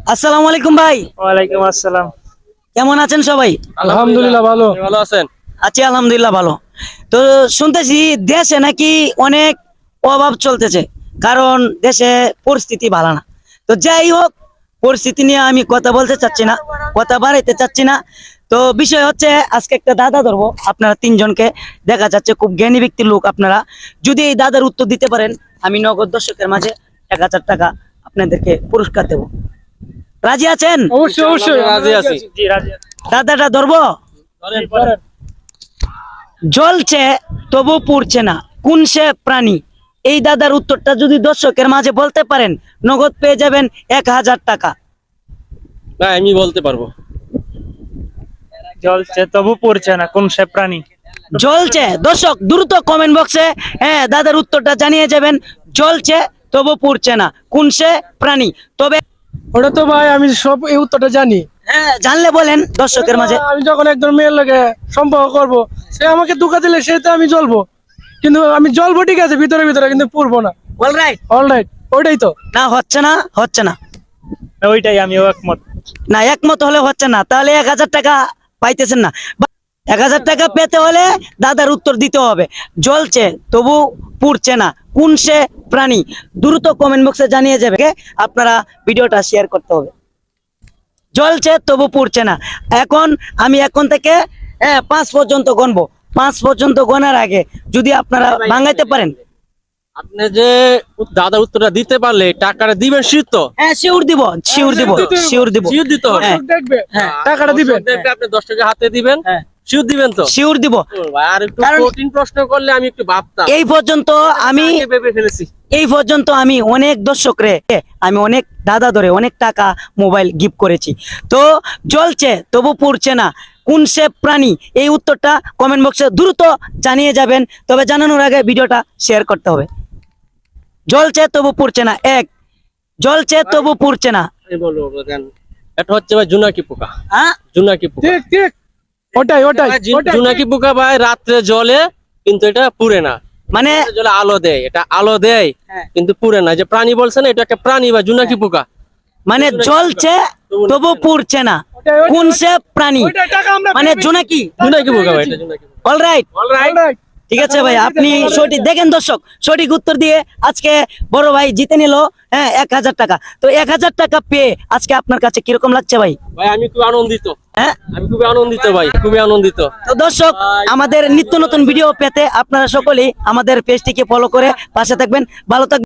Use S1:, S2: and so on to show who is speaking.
S1: আসসালামু আলাইকুম ভাই।
S2: ওয়ালাইকুম আসসালাম।
S1: কেমন আছেন সবাই?
S2: আলহামদুলিল্লাহ ভালো। ভালো আছেন?
S1: আছি আলহামদুলিল্লাহ ভালো। তো শুনতেছি দেশে নাকি অনেক অভাব চলতেছে, কারণ দেশে পরিস্থিতি ভালো না। তো যাই হোক, পরিস্থিতি নিয়ে আমি কথা বলতে চাচ্ছি না, কথা বাড়াইতে চাচ্ছি না। তো বিষয় হচ্ছে, আজকে একটা দাদা ধরবো, আপনারা তিনজনকে, দেখা যাচ্ছে খুব জ্ঞানী ব্যক্তির লোক আপনারা। যদি এই দাদার উত্তর দিতে পারেন, আমি নগদ দর্শকের মাঝে 1000 টাকা আপনাদেরকে পুরস্কার দেব। রাজি আছেন?
S2: অবশ্যই অবশ্যই রাজি আছি। জি রাজি আছি।
S1: দাদাটা ধরবো। জ্বলছে তবু পুড়ছে না, কোন সে প্রাণী? এই দাদার উত্তরটা যদি দর্শকের মাঝে বলতে পারেন, নগদ পেয়ে যাবেন 1000 টাকা।
S3: না, আমি বলতে পারবো।
S2: জ্বলছে তবু পড়ছে না, কোন সে প্রাণী?
S1: জ্বলছে, দর্শক দ্রুত কমেন্ট বক্সে হ্যাঁ দাদার উত্তরটা জানিয়ে যাবেন। জ্বলছে তবু পুড়ছে না, কোন সে প্রাণী? তবে
S4: ওটা তো ভাই আমি সব এই উত্তরটা জানি।
S1: হ্যাঁ জানলে বলেন দর্শকের মাঝে।
S4: আমি যখন একজন মেয়ের লোকে সম্পর্ক করব, সে আমাকে ধোঁকা দিলে সে তো আমি জ্বলবো, কিন্তু আমি জ্বলবো ঠিক আছে ভিতরে ভিতরে, কিন্তু পুড়বো না।
S1: অলরাইট।
S4: অলরাইট, ওইটাই তো।
S1: না হচ্ছে না, হচ্ছে না।
S2: ওইটাই, আমিও একমত।
S1: না একমত হলে হচ্ছে না, তাহলে 1000 টাকা পাইতেছেন না। 1000 টাকা পেতে হলে দাদার উত্তর দিতে হবে, জ্বলছে তবু পুড়ছে না, কোন সে প্রাণী? দ্রুত কমেন্ট বক্সে জানিয়ে যাবে। আপনারা ভিডিওটা শেয়ার করতে হবে। জ্বলছে তবু পুড়ছে না। আমি এখন থেকে 5 পর্যন্ত গণবো। 5 পর্যন্ত গণার আগে যদি আপনারা ভাঙাইতে পারেন,
S3: আপনি যে দাদার উত্তরটা দিতে পারলে টাকাটা দিবেন শীত তো?
S1: হ্যাঁ শিওর দিব, শিওর দিব, শিওর দিব,
S3: শিওর দিতে হবে।
S1: হ্যাঁ।
S4: দেখবে
S1: হ্যাঁ।
S4: টাকাটা দিবেন।
S3: দেখবে আপনি 10 টাকা হাতে দিবেন,
S1: হ্যাঁ
S3: শিওর দিবেন তো?
S1: শিওর দিব।
S3: আর একটু
S1: কারণ-
S3: কঠিন প্রশ্ন করলে আমি একটু ভাবতাম।
S1: এই পর্যন্ত আমি
S3: আগে ভেবে ফেলেছি।
S1: অনেক দর্শক রে, আমি অনেক দাদা ধরে অনেক টাকা মোবাইল গিফট করেছি। তো জ্বলছে তবু পুড়ছে না, কোন সে প্রাণী? এই উত্তরটা কমেন্ট বক্সে দ্রুত জানিয়ে যাবেন। তবে জানানোর আগে ভিডিওটা শেয়ার করতে হবে। জ্বলছে তবু পুড়ছে না, জ্বলছে তবু পুড়ছে না।
S3: আমি বলবো জান, এটা হচ্ছে ভাই জোনাকি পোকা।
S1: হ্যাঁ
S3: জোনাকি পোকা।
S4: ঠিক ঠিক, ওটাই ওটাই
S3: ভাই,
S4: ওটাই।
S3: জোনাকি পোকা ভাই রাত্রে জ্বলে, কিন্তু এটা পুড়ে না।
S1: মানে
S3: রাত্রে জ্বলে আলো দেয়, এটা আলো দেয়
S1: হ্যাঁ।
S3: কিন্তু পুড়ে না। যে প্রাণী বলছেন, এটা একটা প্রাণী বা জোনাকি পোকা।
S1: মানে জ্বলছে তবু পুড়ছে না, কোন সে প্রাণী?
S4: ওইটাই টাকা আমরা
S1: মানে জোনাকি।
S3: জোনাকি পোকা ভাই, এটা জোনাকি পোকা।
S1: Alright,
S4: alright.
S1: ঠিক আছে ভাই, আপনি সঠিক দেখেন দর্শক, সঠিক উত্তর দিয়ে আজকে বড় ভাই জিতে নিল 1000 টাকা। তো 1000 টাকা পেয়ে আজকে আপনার কাছে কিরকম লাগছে ভাই?
S3: ভাই আমি খুব আনন্দিত,
S1: হ্যাঁ
S3: আমি খুবই আনন্দিত ভাই, খুবই আনন্দিত।
S1: তো দর্শক, আমাদের নিত্য নতুন ভিডিও পেতে আপনারা সকলেই আমাদের পেজটিকে ফলো করে পাশে থাকবেন। ভালো থাকবেন।